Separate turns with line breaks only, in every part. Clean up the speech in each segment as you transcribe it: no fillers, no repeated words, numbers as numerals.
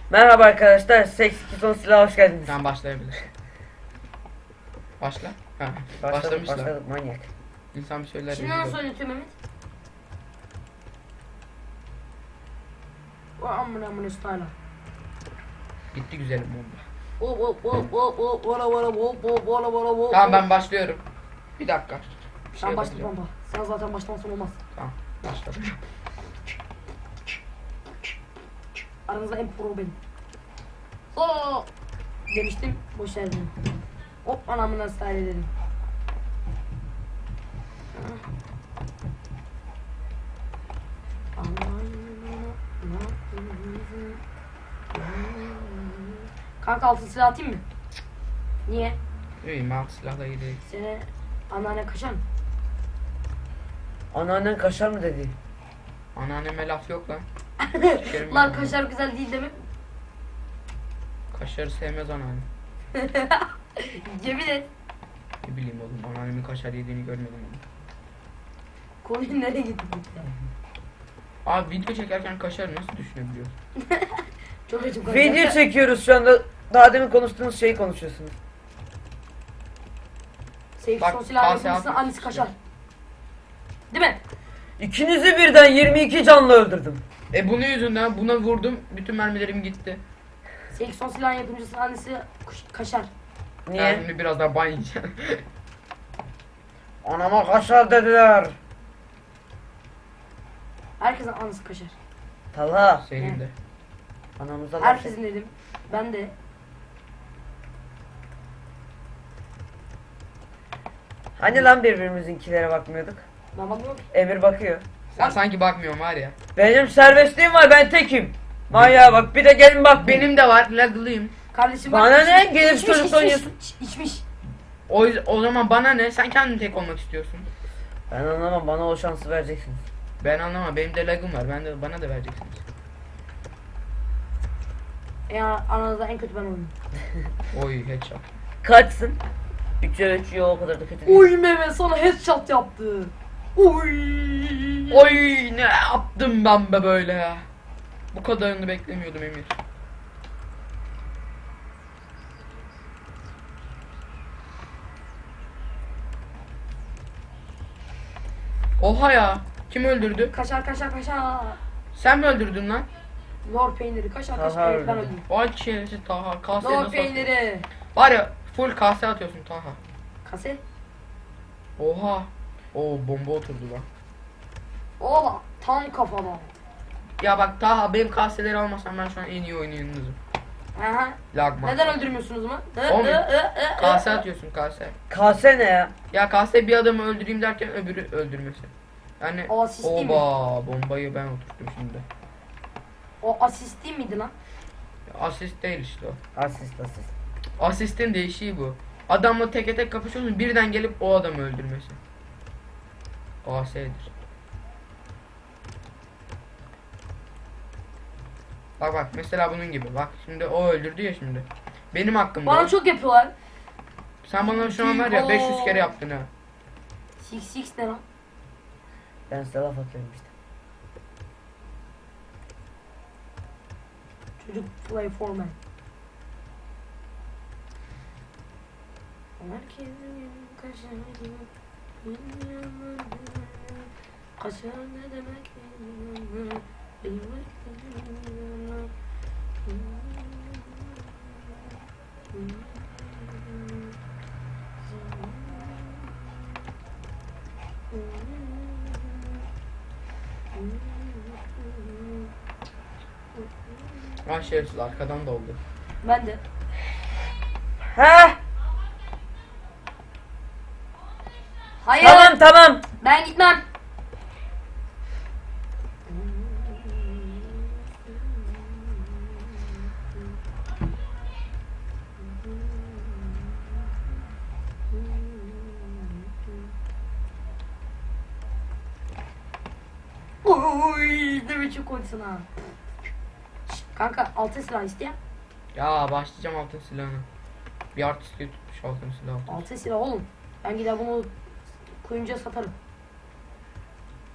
Merhaba arkadaşlar, Seks 2 son silah hoş geldiniz.
Tamam başlayabilir. Başla. Ha,
Başladık,
başlamışlar.
başladık manyak.
İnsan bir şeyler
Şimdi
biliyor.
nasıl oynatıyor Mehmet? O amına style.
Gitti güzelim bomba. Tamam ben başlıyorum. Bir dakika. Bir
Sen başla
yapacağım.
baba. Sen zaten başlamazsan olmaz.
Tamam başladım.
Aranızda en pro benim. Oo! Demiştim, boş verdim. Hop anamına style dedim. Kanka altın silah atayım mı? Niye?
İyiyim ben silahla iyi değil.
Seni anneanne kaşar mı?
Anneannen kaşar mı dedi?
Anneanneme laf yok lan. Sikerim
Lan
ben
kaşar güzel değil değil mi?
onu. Kaşarı sevmez anneannem.
Yemin et.
Ne bileyim oğlum anneannemin kaşar yediğini görmedim onu.
Konuyu nereye gittik ya?
Abi video çekerken kaşarı nasıl düşünebiliyorsun?
Çok acım
Video çekiyoruz şu anda. Daha demin konuştuğunuz şeyi konuşuyorsunuz.
Seyf
Bak,
son silah
kase
yapımcısının
atmak
annesi kaşar.
istiyorum.
Değil mi?
İkinizi birden 22 canlı öldürdüm.
Bunun yüzünden buna vurdum. Bütün mermilerim gitti.
Seyf son silah yapımcısının annesi kaşar.
Ben
Niye?
şimdi biraz daha ban yiyeceğim.
Anama kaşar dediler.
Herkesin annesi kaşar.
Talha.
Senin de.
Anamıza laf
Herkesin dedim. Ben de.
Hani lan birbirimizinkilere bakmıyorduk?
Ben bakmıyorum ki.
Emir bakıyor.
Sen sanki bakmıyorum var ya.
Benim serbestliğim var, ben tekim. Manyağa bak, bir de gelin bak
Benim de var laglıyım.
Kardeşim
Bana
bak,
ne?
içmiş,
Gelip
içmiş,
çocuk oynuyorsun.
İçmiş.
O zaman bana ne? Sen kendin tek olmak istiyorsun.
Ben anlamam, bana o şansı vereceksiniz.
Ben anlamam. Benim de lagım var. Bana da vereceksiniz.
Ya aranızda en kötü ben oynuyorum.
Oy headshot.
Kaçsın? 3'e 3 yok, o kadar da kötü değil.
Uy Mehmet sana headshot yaptı. Uy.
Oy ne yaptım ben be böyle ya. Bu kadarını beklemiyordum Emir. Oha ya. Kim öldürdü?
Kaşar.
Sen mi öldürdün lan?
Lor peyniri kaşar.
Aha,
Evet ben
öyle.
öldüm.
Vay şerefsiz Taha. Kaseye
Lor
nasıl atıyorsun?
peyniri.
Var ya full kase atıyorsun Taha.
Kase.
Oha. Oo bomba oturdu lan.
Ola tam kafada.
Ya bak Taha benim kaseleri almasam ben şu an en iyi oynayanınızım.
Aha.
Lagma.
Neden öldürmüyorsunuz mu?
Oğlum, Kase atıyorsun kase.
Kase ne ya?
Ya kase bir adamı öldüreyim derken öbürü öldürmesi. Yani
O asist değil mi?
oba bombayı ben oturttum şimdi.
O asist değil miydi lan?
Asist değil işte o.
Asist.
Asistin değişiği bu. Adamla teke tek kapışıyorsun birden gelip o adamı öldürmesi. AS'dir. Bak mesela bunun gibi. Bak şimdi o öldürdü ya şimdi. Benim hakkımda.
Bana çok yapıyorlar.
Sen bana şu an var ya 500 kere yaptın ha.
Six ne lan?
Ben size laf atıyorum işte.
Çocuk play forman. Kaşar ne demek?
Ah şerefsiz arkadan da oldu.
Ben de.
Heh!
Hayır.
Tamam.
Ben gitmem. Uy, ne biçim koysun ha. Kanka altın silah isteyen.
Ya başlayacağım altın silahını. Bir artist tutmuş altın silahı.
Altın silah oğlum. Ben gider bunu kuyumcuya satarım.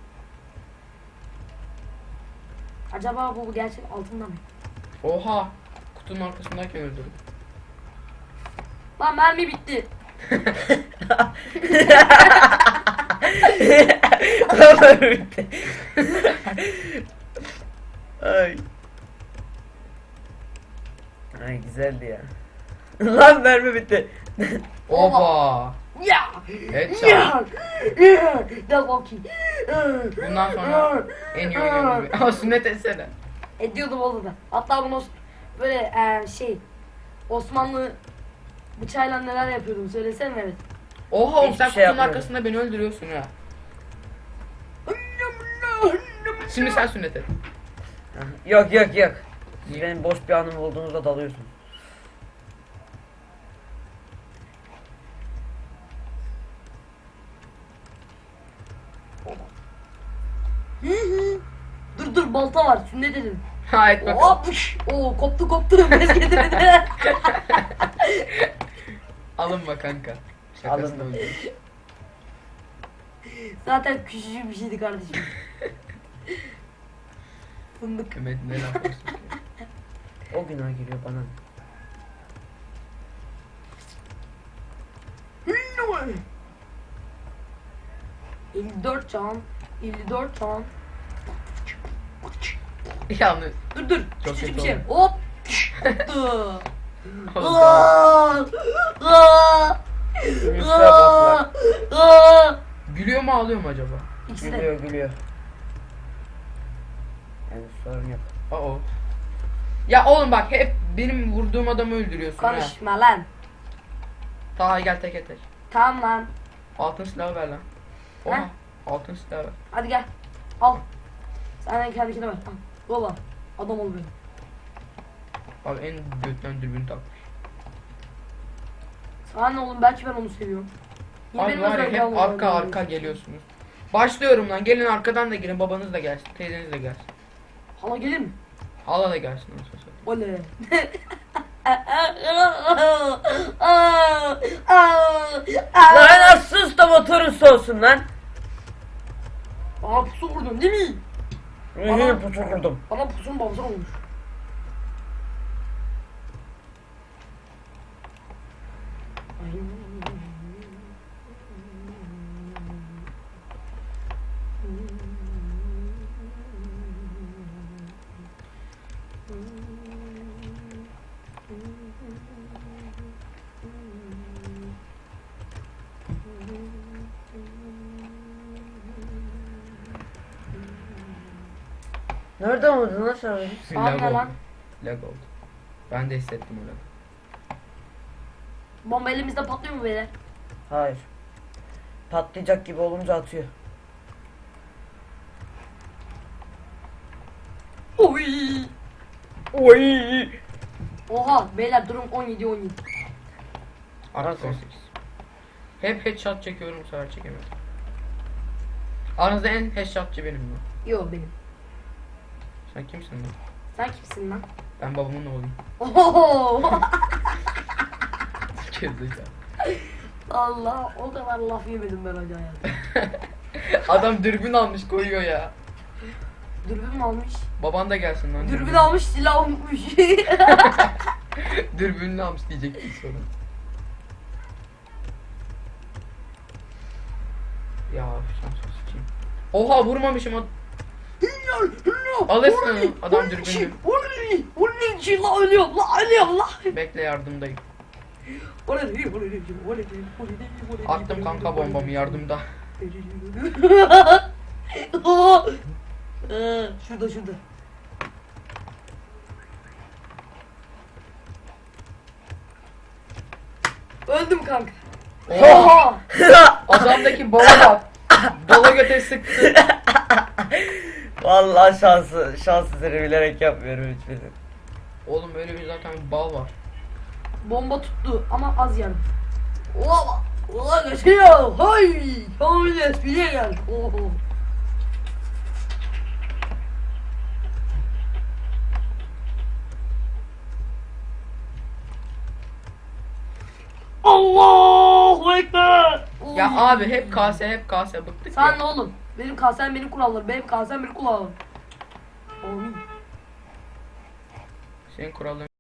Acaba bu gerçek altından mı?
Oha. kutunun arkasındayken öldürdüm.
Lan mermi bitti.
Bitti. Ay. Ay güzeldi ya. Lan mermi bitti.
Oba.
Ya.
Headshot.
Ya. Gel bakayım.
Bundan sonra en iyi oynayan gibi. Ama sünnet etsene.
Ediyordum oğlum ben. Hatta bunu böyle şey Osmanlı bıçağıyla neler yapıyordum söylesene evet.
Oha oğlum sen
Hiçbir şey
kutunun
yapmıyorum.
arkasında beni öldürüyorsun ha. Şimdi sen sünnet et.
Yok yok yok. Siz benim boş bir anım olduğunuzda dalıyorsun.
Dur balta var sünnet edin.
Ha et bakalım.
Hop. Oo koptu. Bez getirdi.
Alınma kanka. Şakasını
Alındım.
öldür.
Zaten küçücük bir şeydi kardeşim. Fındık.
Mehmet ne laf olsun.
O günah giriyor bana.
54 can. 54 can.
Yalnız.
Dur.
Çok
Küçücük
kötü
bir şey.
oldu.
Hop. Koptu.
Oldu.
Aa! Aa!
Yusra
Aa!
boklar.
Aa!
Gülüyor mu ağlıyor mu acaba?
İkisi de.
Gülüyor. Yani sorun yok.
Aa. Ya oğlum bak hep benim vurduğum adamı öldürüyorsun ha.
Konuşma lan.
Daha gel tek tek.
Tamam lan.
Altın silahı ver lan. Oha.
Ha?
Altın silahı ver.
Hadi gel. Al. Sen kendine ver. Al. Yolla. Adam ol benim.
Abi en götten dürbün takmış.
Sana ne oğlum belki ben onu seviyorum. Yine
Abi
benim
var ya
özel
hep
yavrum
arka
var.
arka geliyorsunuz. Başlıyorum lan. Gelin arkadan da gelin. Babanız da gelsin. Teyzeniz de gelsin.
Hala gelir mi?
Hala da gelsin. Nasıl olsa.
Oley.
Lan sus da motorun soğusun lan.
Bana pusu vurdun değil mi?
Yine pusu kurdum.
Bana pusunun babası olmuş.
Nereden vurdun lan sen beni?
Sağ
Lag
ne
oldu.
lan?
Lag oldu. Ben de hissettim öyle.
Bomba elimizde patlıyor mu beyler?
Hayır. Patlayacak gibi olunca atıyor.
Oy.
Oy.
Oha beyler durum 17.
Artık
Nasıl?
18. Hep headshot çekiyorum bu sefer çekemedim. Aranızda en headshotçı benim mi?
Yo benim.
Sen kimsin lan?
Sen kimsin lan?
Ben babamın oğluyum.
Oho.
Gerizekalı.
Allah o kadar laf yemedim ben hocam ya.
Adam dürbün almış koyuyor ya.
Dürbün mü almış?
Baban da gelsin lan.
Dürbün almış silah unutmuş.
Dürbününü almış diyecektim sonra. Ya şans sıçayım. Oha vurmamışım o. Alırsın onu, adam dürbünlü.
Onun için la ölüyorum la.
Bekle yardımdayım. Attım kanka bombamı yardımda.
Şurada. Öldüm kanka.
Oha! Adamdaki bola bak. Bola göte sıktı.
Vallahi şansı seni bilerek yapmıyorum hiçbirini.
Oğlum öyle bir zaten bal var.
Bomba tuttu ama az yardım. Ola geçiyor. Hay! Şöyle bir gel. Oho. Allahu Ekber.
Ya abi hep kase bıktık
Sen
ya.
ne oğlum? Benim kasem benim kurallarım. Benim kasem benim kurallarım. Amin.
Senin kuralların